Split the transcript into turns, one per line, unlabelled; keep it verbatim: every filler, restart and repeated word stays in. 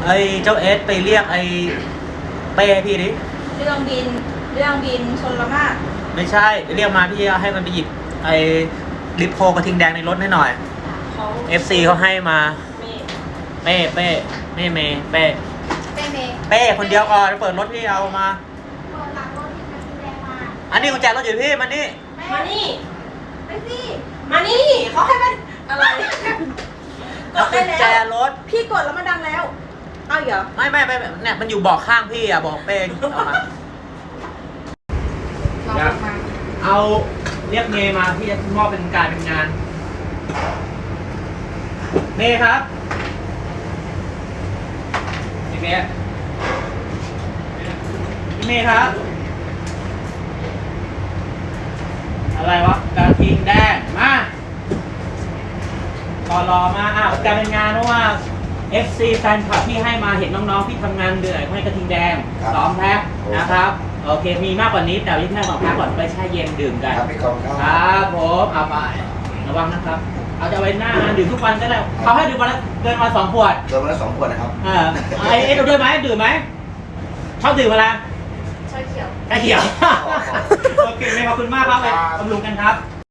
ไอ้เจ้าเอสไปเรียกไอ้เป้พี่ดิ
เรื่องบินเรื่องบินชนละมาด
ไม่ใช่เรียกมาพี่ให้มันไปหยิบไอ้ลิปโพกระทิงแดงในรถให้หน่อย
เขา
เอฟซีเขาให้มา
เมย์
เป้เป้ไม่เมย์เป้
เป้เมย์
เป้คนเดียวก่อนเปิดรถพี่เอามา
เปิดหลังรถที่กระทิงแดงมา
อันนี้กุญแจรถอยู่พี่มานี่
มานี่ไปสิมานี่เขาให้มันอะไรกดได้
กุญแจ
แล้ว
รถ
พี่กดแล้วมันดังแล้วเอาเหรอ
ไม่ไม่ไม่เนี่ยมันอยู่เบาะข้างพี่อ่ะบอกเป้เอามา
เรามา
เอาเรียกเมย์มาที่จะมอบเป็นการเป็นงานเมย์ครับพี่เมย์พี่เมย์ครับอะไรวะกระทิงแดงมาต่อรอมาอ้าวการเป็นงานเพราะว่า เอฟ ซี แฟนคลับที่ให้มาเห็นน้องๆที่ทำงานเหนื่อยให้กระทิงแดงสองแพ็คนะครับโอเคมีมากกว่านี้แต่ยิ่งแค่สองแพ็คก่อนไปแช่เย็นดื่มกัน
ครับพี่กองค
ครับ รับผมเอาไประวังนะครับ เอาจะไว้หน้างานดื่มทุกวันก็ได้เขาให้ดื่มวันละเกินวันสองขวด
โดนมาแล้วสองขวดนะครับ
เออไอ้เอ็ดด้วยไหมดื่มไหมชอบดื่มอะไร
ชาเขียว
ชาเขียว โอเคขอบคุณมากครับไปบำรุงกันครับ